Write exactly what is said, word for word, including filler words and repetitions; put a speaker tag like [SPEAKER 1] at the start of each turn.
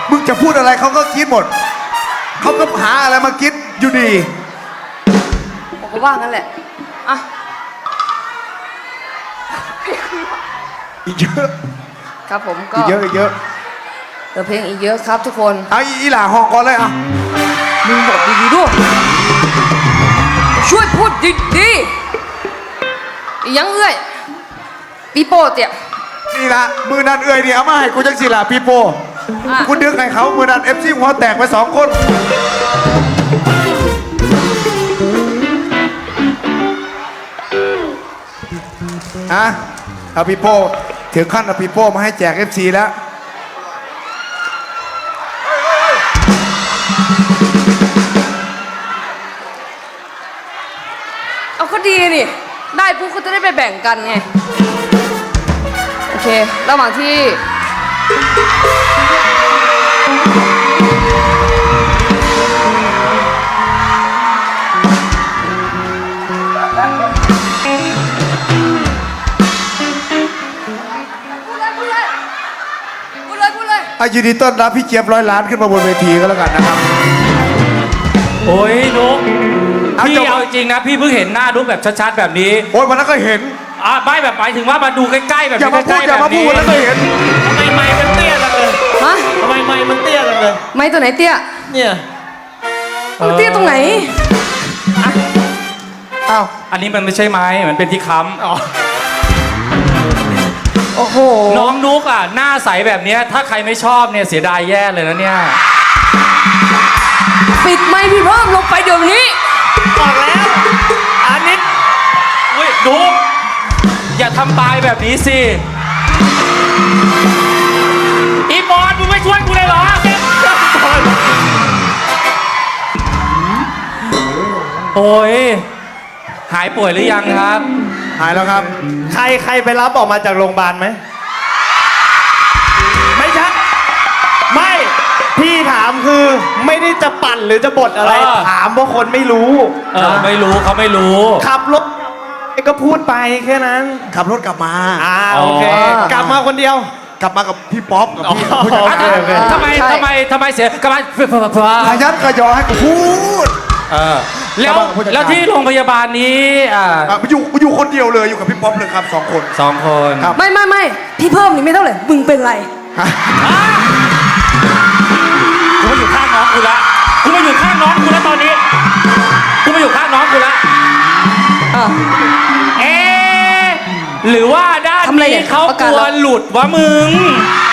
[SPEAKER 1] มึงจะพูดอะไรเขาก็คิดหมดเขาก็หาอะไรมาคิดอยู่ดี
[SPEAKER 2] ผมก็ว่างั้นแหละอ่ะ
[SPEAKER 1] อีกเยอะ
[SPEAKER 2] ครับผมก็
[SPEAKER 1] อีกเยอะอีกเยอะ
[SPEAKER 2] เดี๋ยวเพลงอีกเยอะครับทุกคน
[SPEAKER 1] เอาอีหล่าห้องก่อนเลยอ่ะ
[SPEAKER 2] มึงบอกดีๆด้วยช่วยพูดดีๆอีหยังเอ้ยปีโป้เตี่ย
[SPEAKER 1] นี่ละมือนันเอ่ยเนี่ยเอามาให้กูจังสิล่ะพี่โปกูดึงให้เขามือนันเอฟซีหัวแตกไปสองคนอะเอาพี่โป้ถึงขั้นเอาพี่โป้มาให้แจกเอฟซีแล้ว
[SPEAKER 2] เอาก็ดีนี่ได้ปุ๊บก็จะได้ไปแบ่งกันไงโอเคระหว่างที่
[SPEAKER 1] อายินดีต้อนรับพี่เจี๊ยบร้อยล้านขึ้นมาบนเวทีก็แล้วกันนะครับ
[SPEAKER 3] โอ้ยนุ๊กพี่เอาจริงนะพี่เพิ่งเห็นหน้านุ๊กแบบชัดๆแบบนี้
[SPEAKER 1] โอ้ยวันนั้นก็เห็น
[SPEAKER 3] อ่ะไม่แบบหมายถึงว่ามาดูใกล้ๆแบบ
[SPEAKER 1] อย่ามาพูดอย่ามาพูดวันนั้นก็เห็น
[SPEAKER 4] ทำไมไม้มันเตี้ยจังเลย
[SPEAKER 2] ฮะ
[SPEAKER 4] ทำไมไม้มันเตี้ยจังเลย
[SPEAKER 2] ไม้ตัวไหนเตี้ย
[SPEAKER 4] เนี่ย
[SPEAKER 2] มันเตี้ยตรงไหน
[SPEAKER 3] อ้าวอันนี้มันไม่ใช่ไม้มันเป็นที่ค้ำ
[SPEAKER 2] โอ้โห
[SPEAKER 3] น้องนุ๊กอ่ะหน้าใสแบบนี้ถ้าใครไม่ชอบเนี่ยเสียดายแย่เลยนะเนี่ย
[SPEAKER 2] ปิดไมค์พี่เพิ่มลงไปเดี๋ยวนี้
[SPEAKER 4] บอกแล้วอันนี้
[SPEAKER 3] เฮ้ยนุ๊กอย่าทำปลายแบบนี้สิอีบอลมึงไม่ช่วยกูเลยเหรอโอ้ยหายป่วยหรือยังครับ
[SPEAKER 1] หายแล้วครับ
[SPEAKER 4] ใครใครไปรับออกมาจากโรงพยาบาลไหมไม่ใช่ไม่พี่ถามคือไม่ได้จะปั่นหรือจะบดอะไรถามว่าคนไม่รู้
[SPEAKER 3] เออไม่รู้เขาไม่รู้
[SPEAKER 4] ขับรถก็พูดไปแค่นั้น
[SPEAKER 1] ขับรถกลับมา
[SPEAKER 4] อ่าโอเคกลับมาคนเดียว
[SPEAKER 1] กลับมากับพี่ป๊อปกับพี่
[SPEAKER 3] ทำไมทำไมทำไมเสียกลับมา
[SPEAKER 1] ขยันขยอให้กูพูด
[SPEAKER 3] แล้วแล้วที่โรงพยาบาลนี้อ่า
[SPEAKER 1] อยู่อยู่คนเดียวเลยอยู่กับพี่ป๊อปเลยครับสองคน
[SPEAKER 3] สองคน
[SPEAKER 2] ไม่ไม่ไม่พี่เพิ่มนี่ไม่เท่าไหร่มึงเป็นไร
[SPEAKER 3] กูมาอยู่ข้างน้องกูละกูมาอยู่ข้างน้องกูแล้วตอนนี้กูมาอยู่ข้างน้องกูละเอ๊หรือว่าด้านนี้เขากลัวหลุดวะมึง